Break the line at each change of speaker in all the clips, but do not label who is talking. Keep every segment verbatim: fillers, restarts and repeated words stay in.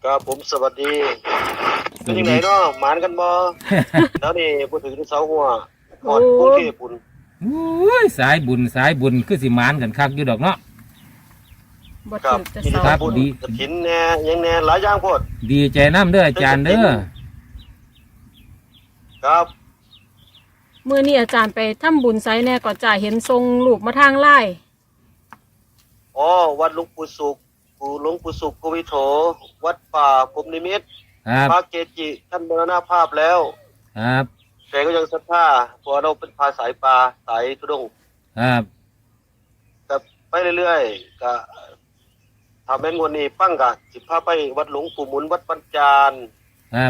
ครับผมสวัสดีเป็นยังไงเนาะหมานกันบ่แล้วนี่พูดถึงเสาหัวหอดกรุงเทพปุ่น
อุ้ยสายบุญสายบุญคือสิหมานกันคักอยู่ดอกเนาะ
บ่
ครั
ถึ
บ
กจะ
กิน
เศร้า
ครั
ข้าว
บ
บุญ
ดี
กระถินแหน่ยังแหน่หลายอย่างโพด
ดีใจน้ำเด้ออาจารย์เด้อ
ครับ
มื้อนี้อาจารย์ไปทำบุญไสแน่ก็จะเห็นทรงรูปมาทางไลน์
อ๋อวัดหลวงปู่สุขปู่หลวงปู่สุขโควิโถวัดป่าพรหมนิมิตร
ครับ
พระเกจิท่านมรณภาพแล้ว
ครับ
แต่ก็ยังศรัทธาเพราะเราเป็นพาสายปลาสายทุดงค์
ครับ
ก็ไปเรื่อยๆก็ทำแม่นวันนี้ปั้งกะสิพาไปวัดหลวงปู่หมุนวัดปัญจาน
ครับ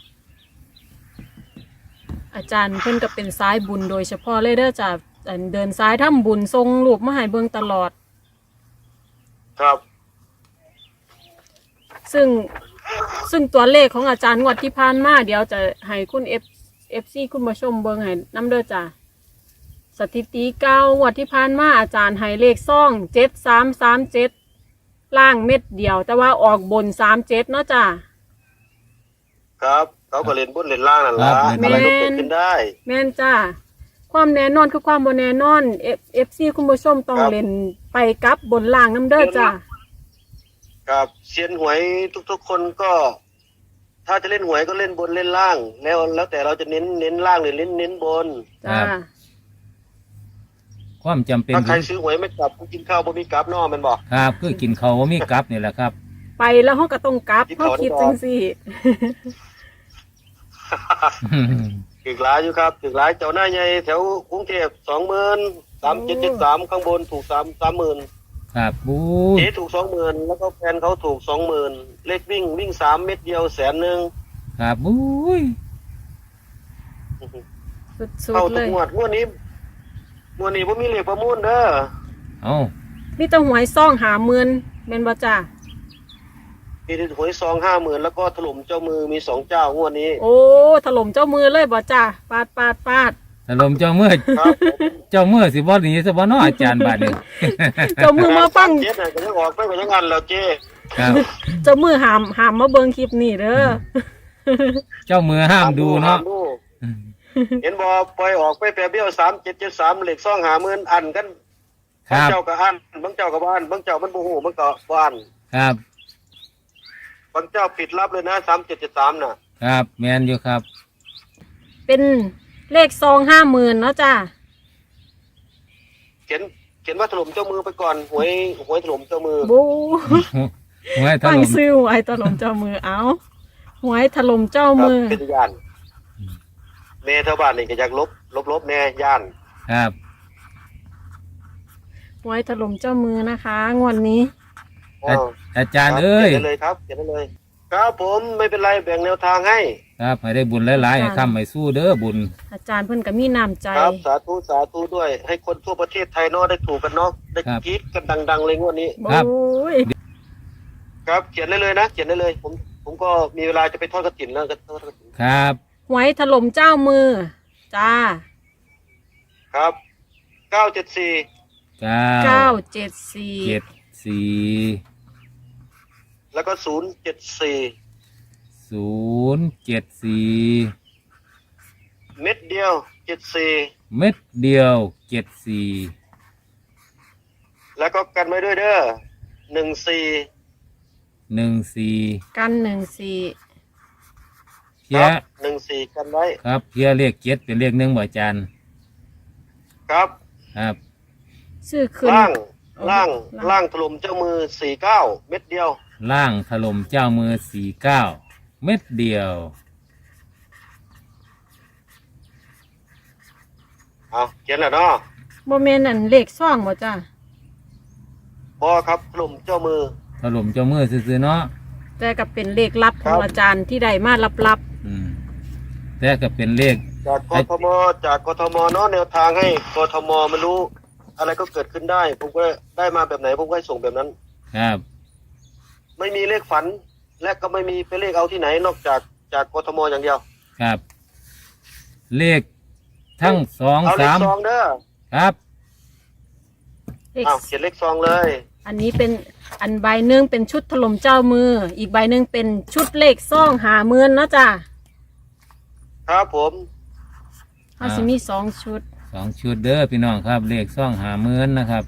อาจารย์เพิ่นก็เป็นสายบุญโดยเฉพาะเลยเด้อจ้ะอันเดินสายทำบุญทรงรูปมาให้เบิ่งตลอด
ครับ
ซึ่งซึ่งตัวเลขของอาจารย์งวดที่ผ่านมาเดี๋ยวจะให้คุณ F FC คุณผู้ชมเบิ่งให้นํเด้อจ้ะสถิติเก้างวดที่ผ่านมาอาจารย์ให้เลขซ่องเจ็ดสามสามเจ็ดล่างเม็ดเดียว แต่ว่าออกบนสามเจ็ดเนาะจ้ะ
ครับเขาก็เล่นบนเล่นล่างนั่น
ครั
ละ
บ
อะไรก็เกิดขึ้นได้
แม่นจ้าความแน่นอนคือความบ่แน่นอน เอฟ ซี คุณผู้ชมต้อง
ครับ
เล่นไปกับบนล่างน้ำเด้อจ้า
ครับเซียนหวยทุกๆคนก็ ถ้าจะเล่นหวยก็เล่นบนเล่นล่าง แล้วแล้วแต่เราจะเน้นเน้นล่างหรือเน้นเน้นบน
จ้า
ความจำเป็น
ถ้าใครซื้อหวยไม่กลับกินข้าวบ่มีกลับเนอแมันบอก
ครับคือกินเขาวบ่มีกลับนี่แหละครับ
ไปแล้วเฮาก็ต้องกลับ
ที่
เฮา
เขา
คิด
ได้บอก
จังซี่
ถึกหลายอยู่ครับถึกหลายเจ้าหน้าใหญ่แถวกรุงเทพสองหมื่นสามเจ็ดเจ็ดสามข้างบนถูกสามสามหมื่น
ครับบู๊ย
เจ๊ถูกสองหมื่นแล้วก็แฟนเขาถูกสองหมื่นเลขวิ่งวิ่งสามเม็ดเดียวแสนหนึ่ง
ครับบู๊ย
สุด
เข้า
ๆเล
ทุก
ย
งวดงวดนี้งวดนี้ผมมีเลขประมูลเด้อ
เอา
มีแต่หวยซ่องหาหมื่นแม่นบ่จ้า
มีหวยซองห้าหมื่นแล้วก็ถล่มเจ้ามือมีสองเจ้างวดนี้
โอ้ถล่มเจ้ามือเลยบ่จ้าปาดปาดปาด
ถล่มเจ้าเมื่อ
ครับ
เจ้าเมื่อสิบ่หนีสิบ่เนาะอาจารย์บาดนี้
เจ้ามือมาฟัง
เจ๊น่ะก็ยังออกไปก็ยังอันแล้วเจ๊
ครับ
เจ้ามือหามหามมาเบิ่งคลิปนี้เด้อ
เจ้ามือห้ามดูเนาะ
ห้มดูเห็นบอปล่อยออกไปแปรเบี้ยวสามเจ็ดเจ็ดสามเหล็กซองหาหมื่นอันกัน
ครับ
างเจ้าก็อันบางเจ้าก็บ้านบางเจ้ามันบูฮูมันก็บ้าน
ครับ
บางเจ้าปิดรับเลยนะสามเจ็ดเจ็ดสามน่ะ
ครับแม่นอยู่ครับ
เป็นเลขซองห้าหมื่นเนาะจ้า
เขียนเขียนว่าถล่มเจ้ามือไปก่อนหวยหวยถล่มเจ้ามือ
บู
หวยถ
ตั้ง
ล่ม
ซื้อหวยถล่มเจ้ามือเอาหวยถล่มเจ้า
ครับ
มือ
เป็นย่านเมย์แถวบ้านนี่ก็อยากลบลบลบแน่ย่าน
ครับ
หวยถล่มเจ้ามือนะคะงวดนี้
อาอาจารย์
คบ
เอ้ย
เขียนได้เลยครับเขียนได้เลย ครับผมไม่เป็นไรแบ่งแนวทางให้
ครับให้ได้บุญหลายๆให้ค้ำให้สู้เด้อบุญ
อาจารย์เพิ่นก็มีน้ำใจ
ครับสาธุสาธุด้วย ให้คนทั่วประเทศไทยเนาะได้ถูกกันเนาะได้
ครับ
กรี๊ดกันดังๆเลยงวดนี้
โอ้ย
ครับเขียนได้เลยนะเขียนได้เลย ผมผมก็มีเวลาจะไปทอดกระถินแล้วก็ทอดกระถิน
ครับ
หวยถล่มเจ้ามือ จ้า
ครับเก้าเจ็ดสี่
เก้า
เก้าเจ็ดสี่
เจ็ดสี่
แล้วก็ศูนย์เจ็ดสี่
ศูนย์เจ็ดสี่
เม็ดเดียวเจ็ดสี่
เม็ดเดียวเจ็ดสี่
แล้วก็กันไว้ด้วยเด้อหนึ่งสี่
หนึ่งสี่
กันหนึ่งสี่
เพี
ค
ย
รับหนึ่งสี่กันไว้
ครับเพียเลขเจ็ดเป็นเลขหนึ่งบ่อาจารย์
ครับ
ครับ
ชื่อขึ้น
ล่าง
เอา
ล่าง
ล่าง
ล่างถล่มเจ้ามือสี่เก้าเม็ดเดียว
ล่างถล่มเจ้ามือสี่เก้าเม็ดเดียว
เอาเขียนแล้วเนาะ
บ่แม่นอันเลขซ่องบ่จ้า
บอครับถล่มเจ้ามือ
ถล่มเจ้ามือซื่อๆเนาะ
แต่ก็เป็นเลขลับข
ครั
อง
บ
อาจารย์ที่ได้มาลับ
อืมแต่ก็เป็นเลข
จากกทมจากกทมเนาะแนวทางให้กทมมันรู้ อะไรก็เกิดขึ้นได้ ผมก็ได้มาแบบไหนผมก็ให้ส่งแบบนั้น
ครับ
ไม่มีเลขฝัน และก็ไม่มีไปเลขเอาที่ไหน นอกจากจากกทมอย่างเดียว
ครับ เลขทั้งสอง
เอาเลข
สาม
ซองเด้อ
ครับ
ๆเลข
เอาเขียนเลขซองเลย
อันนี้เป็นอันใบหนึ่งเป็นชุดถล่มเจ้ามือ อีกใบหนึ่งเป็นชุดเลขซ่องหาเมือนเนาะจ้ะ
ครับผม
เขาสิมีสองชุด
สองชุดเด้อพี่น้องครับเลขซ่องหาเมือนนะครับ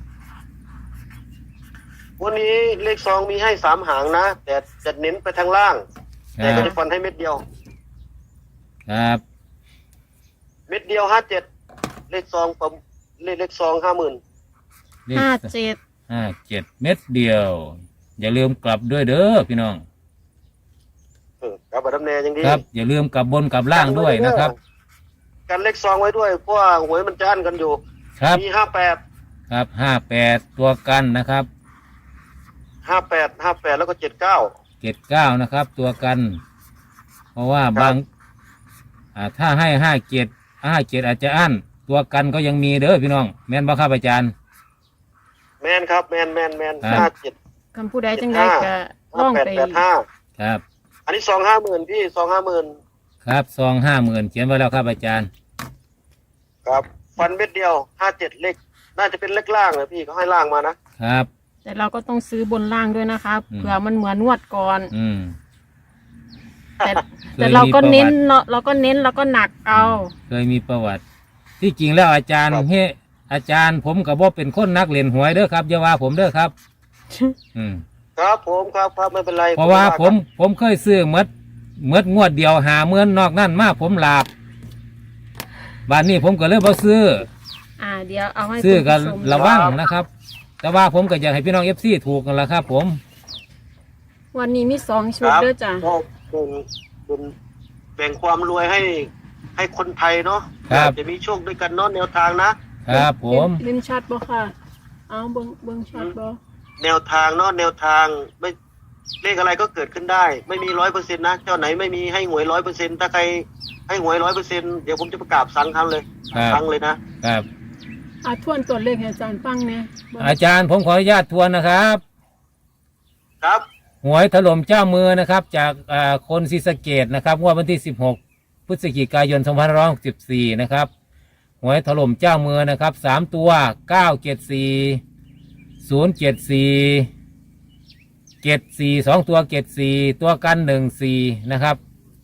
วันนี้เลขซองมีให้สามหางนะแต่จะเน้นไปทางล่าง
ค
แต่
รั
ก็
บ
จะฟันให้เม็ดเดียว
ครับ
เม็ดเดียวห้าเจ็ดเลขซองประเลขเลขซองห้าหมื่น
เลข
ห้าเจ็ด
ห้าเจ็ดเม็ดเดียว อย่าลืมกลับด้วยเด้อพี่น้อง
ครับบัตรดำเนยังดี
ครับ อย่าลืมกลับบนกลับล่างด้วยนะครับ
กันเลขซองไว้ด้วยเพราะว่าหวยมันจะอั้นกันอยู่
ครับ
มีห้าแปด
ครับห้าแปดตัวกันนะครับ
ห้าแปดห้าแปดแล้วก็เจ็ดเก้า
เจ็ดเก้านะครับ ตัวกัน เพราะว่า
ครับ
บางอ่าถ้าให้ห้าเจ็ดห้าเจ็ดอาจจะอั้นตัวกันก็ยังมีเด้อพี่น้อง แม่นบ่ครับอาจารย์
แมนครับแมนแมนแมน
ครับ
ห้าเจ็ด
คำผู้ใดจังไดก็ล่
ห้า
อง
แปด
ไป
แปดห้า
ครับ
อันนี้ซองห้าหมื่นพี่ซองห้าหมื่น
ครับซองห้าหมื่นเขียนไว้แล้วครับอาจารย์
ครับฟันเม็ดเดียวห้าเจ็ดเลขน่าจะเป็นเลขล่างนะพี่เขาให้ล่างมานะครับ
แต่เราก็ต้องซื้อบนล่างด้วยนะครับ
อืม
เผื่อมันเหมือนนวดก่อน
อืม
แต่
เคย
แต่เราก็
มีประวัติ
เน้นเราเราก็เน้นเราก็หนักเอา
เคยมีประวัติ ที่จริงแล้วอาจารย์เฮอาจารย์ผมกับว่าเป็นคนนักเล่นหวยเด้อครับอย่าว่าผมเด้อครับ อืม
ครับผมครับครับไม่เป็นไร
เพราะว่าผมผมเคยซื้อเมดเมดงวดเดียวหาเมื่อนนอกนั่นมาผมหลาบบ้านนี้ผมก็เลยบ่ซื้อ
อ่าเดี๋ยวเอาให้
ซื้อ
คุณ
กัน
ผู้ชม
ระวังนะครับ แต่ว่าผมก็อยากให้พี่น้องเอฟซีถูกกันละครับ ผม
วันนี้มีสองชุด
ครับ
ด้วยจ้ะ
ก็เป็นเป็นแบ่งความรวยให้ให้คนไทยเนาะ
ครับ
จะมีโชคด้วยกันเนาะแนวทางนะครับ
ผม
เล่นชัดบ่ค่ะ เอาเบิ้งเบิ้งชัดบ่
แนวทางเนาะแนวทางไม่เลขอะไรก็เกิดขึ้นได้ ไม่มีร้อยเปอร์เซ็นต์นะเจ้าไหนไม่มีให้หวยร้อยเปอร์เซ็นต์ถ้าใครให้หวยร้อยเปอร์เซ็นต์เดี๋ยวผมจะประกาศสั่งทำเลย
ครับ
สั่งเลยนะครับ
อ่าทวนตัวเลขให้อาจารย์ฟังเนี่ยเบิ่ง
อาจารย์ผมขออนุญาตทวนนะครับ
ครับ
หวยถล่มเจ้ามือนะครับ จากอ่าคนศรีสะเกดนะครับงวดวันที่สิบหกพฤศจิกายนสองพันห้าร้อยหกสิบสี่นะครับหวยถล่มเจ้ามือนะครับสามตัวเก้าเจ็ดสี่ศูนย์เจ็ดสี่เจ็ดสี่สองตัวเจ็ดสี่ตัวกันหนึ่งสี่นะครับ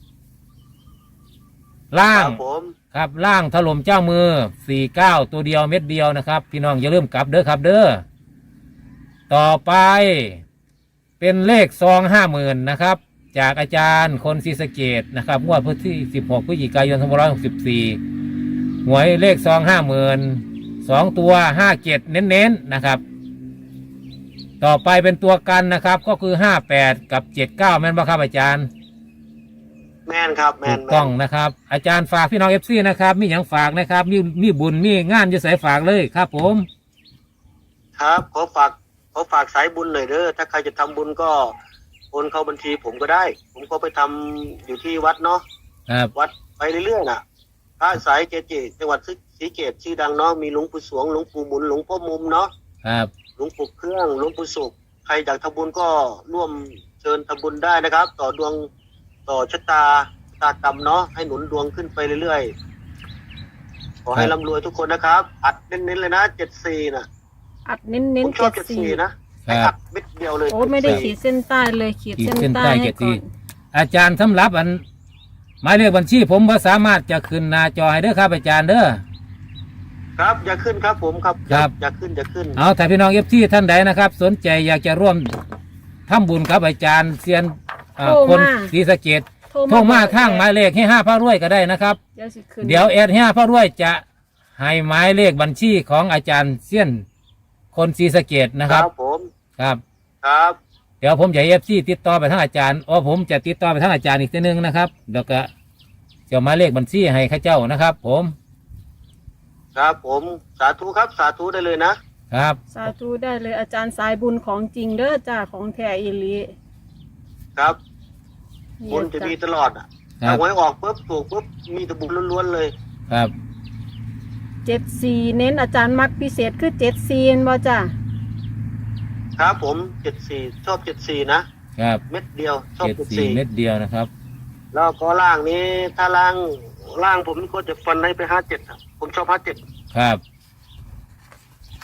ล่า
ค
ง
รับผม
ครับล่างถล่มเจ้ามือสี่เก้าตัวเดียวเม็ดเดียวนะครับ พี่น้องอย่าลืมกลับเด้อครับเด้อต่อไปเป็นเลขซองห้าหมื่นนะครับ จากอาจารย์คนศรีสะเกดนะครับงวดวันที่สิบหกพฤศจิกายนสองพันห้าร้อยหกสิบสี่หวยเลขซองห้าหมื่นสองตัวห้าเจ็ดเน้นๆนะครับ ต่อไปเป็นตัวกันนะครับ ก็คือห้าแปดกับเจ็ดเก้าแม่นบ่ครับอาจารย์
แมนครับแม
ถู
น
ก
แม
ต้อง
น
นะครับ อาจารย์ฝากพี่น้องเอฟซีนะครับ มีอย่างฝากนะครับ มีมีบุญมีงานจะใส่ฝากเลยครับ ผม
ครับขอฝากขอฝากสายบุญหน่อยเด้อถ้าใครจะทำบุญก็โอนเข้าบัญชีผมก็ได้ ผมก็ไปทำอยู่ที่วัดเนาะ
ครับ
วัดไปเรื่อยๆน่ะพระสายเจเจจังหวัดศรีเกตชื่อดังเนาะมีหลวงปู่สวงหลวงปู่หมุนหลวงพ่อมุมเนาะ
ครับ
หลวงปู่เครื่องหลวงปู่สุขใครอยากทำบุญก็ร่วมเชิญทำบุญได้นะครับ ต่อดวงต่อชะตาชะตากรรมเนาะให้หนุนดวงขึ้นไปเรื่อยๆขอให้ร่ำรวยทุกคนนะครับ อัดเน้นๆเลยนะเจ็ดสี่นะ
อัดเน้นเน้
ผ
น
มชอ
เจ็
บ
ด
เจ็ด
สี่
สี่นะ
ครั
ให้อั
บ
ดเม็ดเดียวเลย
โอ้ไม่ได้ขี
เจ็
ดเส้นใต้เลยขีด
ขีด
เส้น
เส้น
ใต้
ใต้
ให้
เจ็ด
ก่อ
สี่
น
อาจารย์สำหรับอันหมายเลขบัญชีผมว่าสามารถจะขึ้นหน้าจอให้เด้อครับอาจารย์เด้อ
ครับอย่าขึ้นครับผมครับ
ครับ
อย่าขึ้นอย่าขึ้น
เอาถ้าพี่น้องเอฟซีท่านใดนะครับ สนใจอยากจะร่วมทำบุญกับอาจารย์เซียนอ่าคนศรีสะเกดโทรมาทางหมายเลขให้ห้าพระรวยก็ได้นะครับ
เดี๋ยวสิขึ้น
เดี๋ยวแอดห้าพระรวยจะให้หมายเลขบัญชีของอาจารย์เซียนคนศรีสะเกดนะ
ค
ค
รั
รั
บบ ผม
ครับ
ครับ
เดี๋ยวผมจะเอฟซีติดต่อไปทางอาจารย์อ๋อผมจะติดต่อไปทางอาจารย์อีกทีนึงนะครับเดี๋ยวก็จะหมายเลขบัญชีให้ข้าเจ้านะครับ ผม
ครับผมสาธุครับสาธุได้เลยนะครับ
สาธุได้เลยอาจารย์สายบุญของจริงเด้อจ้าของแท้อีหลี
ครับ
นี่
บุญจะมีตลอดอ่ะ
ครั
ถ้า
บ
หวยออกปุ๊บถูกปุ๊บมีแต่บุญล้วนๆเลย
ครับ
เจ็ดสี่เน้นอาจารย์มักพิเศษคือเจ็ดสี่เห็นบ่จ้า
ครับผมเจ็ดสี่ชอบเจ็ดสี่นะครับ เม็ดเดียวชอบ
เจ็ด
เจ็ด
สี่
สี่
เม็ดเดียวนะครับ
แล้วก็ล่างนี้ถ้าล่างล่างผมก็จะฟันให้ไปห้าเจ็ดครับผมชอบห้าเจ็ด
ครับ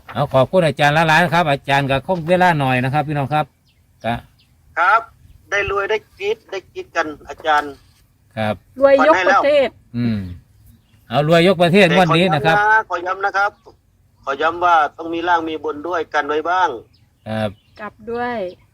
เอาขอบคุณอาจารย์ละลายนะครับ อาจารย์ก็คงเวลาหน่อยนะครับ พี่น้องครับก็
ครับ ได้รวยได้กรีดได้กรีดกันอาจารย์
ครับ
รวยยกประเทศ
อืมเอารวยยกประเทศงวันนี้นะครับ
แต่ขอย้ำนะขอย้ำนะครับ ขอย้ำว่าต้องมีล่างมีบนด้วยกันไว้บ้าง
ครับ
กลับด้วย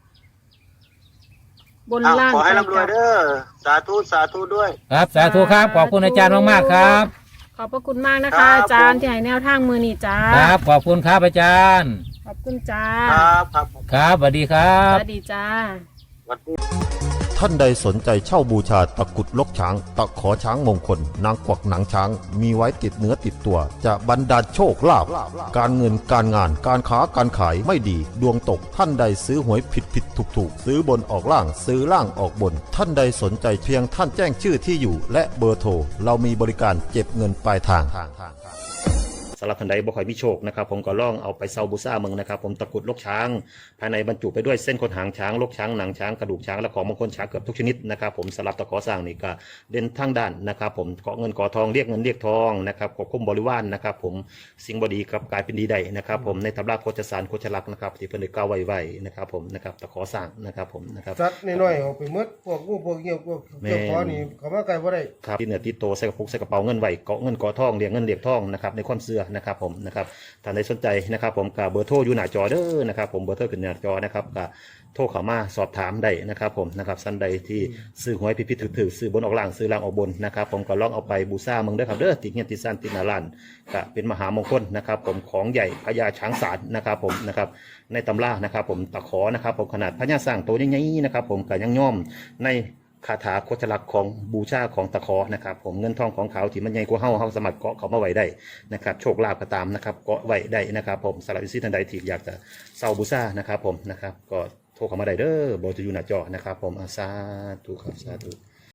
บน
อ้าว
ล่าง
ขอให้
ไป
ร่ำรวย
กลับ
เด้อสาธุสาธุด้วย
ครับสาธุครับขอบคุณอาจารย์มากๆครับ
ขอบพระคุณมากนะ
ครั
คะ
บ
อาจารย์
ผม
ที่ให้แนวทางมือนี่จ้า
ครับขอบคุณครับอาจารย์
ขอบคุณจ้า
ครับครับ
ครับสวัสดีครับ
สวัสดีจ้า
สวัสดี
ท่านใดสนใจเช่าบูชาตะกรุดลกช้าง ตะขอช้างมงคล นางกวักหนังช้าง มีไว้ติดเนื้อติดตัว จะบรรดาลโชคลาภการเงินการงานการค้าการขายไม่ดี ดวงตกท่านใดซื้อหวยผิดผิดถูกถูกซื้อบนออกล่างซื้อล่างออกบน ท่านใดสนใจเพียงท่านแจ้งชื่อที่อยู่ และเบอร์โทรเรามีบริการเก็บเงินปลายทางสำหรับท่านใดบ่ค่อยมีโชคนะครับผมก็ลองเอาไปเซาบูซ่าเมืองนะครับผมตะกรุดลกช้าง ภายในบรรจุไปด้วยเส้นขนหางช้างลกช้างหนังช้างกระดูกช้างและของมงคลช้างเกือบทุกชนิดนะครับผมสำหรับตะขอสร้างนี่ก็เด่นทางด้านนะครับผมเกาะเงินเกาะทองเรียกเงินเรียกทองนะครับควบคุมบริวารนะครับผมสิ่งบดีกับกลายเป็นดีได้นะครับผมในตำราโคจสารโคจลักษณ์นะครับที่เพิ่นได้กล่าวไว้ไว้นะครับผมนะครับตะขอสร้างนะครับผมนะครับ
สัตว์น้อยๆเอาไปหมดพวกงูพวกเงี้ยวพวกเจ้าขอนี่เขามาไกลบ่ได้
ครับที่เหนือติดโตใส่กระปุกใส่กระเป๋าเงินไว้เกาะเงินเกาะทองเรียกเงินเรียกทองนะครับในความเชื่อนะครับผมนะครับท่านใดสนใจนะครับผมกับเบอร์โทรอยู่หน้าจอเด้อนะครับผมเบอร์โทรขึ้นหน้าจอนะครับกับโทรเข้ามาสอบถามได้นะครับผมนะครับท่านใดที่ซื้อหวยพิพิธถือซื้อบนออกล่างซื้อล่างออกบนนะครับผมก็ลองเอาไปบูชาเมืองเด้อครับเด้อติดเงี้ยติดสั้นติดหนาลานก็เป็นมหามงคลนะครับผมของใหญ่พญาช้างศาลนะครับผมนะครับในตำรานะครับผมตะขอนะครับผมขนาดพญาสร้างโตใหญ่ๆนะครับผมก็ยังย่อมในคาถาโคจลักษณ์ของบูชาของตะขอนะครับผมเงินทองของเขาที่มันใหญ่กว่าเฮาเฮาสามารถเกาะเขามาไว้ได้นะครับโชคลาภก็ตามนะครับเกาะไว้ได้นะครับผมสำหรับวิสิทันใดที่อยากจะเซาบูชานะครับผมนะครับก็โทรเข้ามาได้เด้อเบอร์จะอยู่หน้าจอนะครับผมอาสาธุครับสาธุ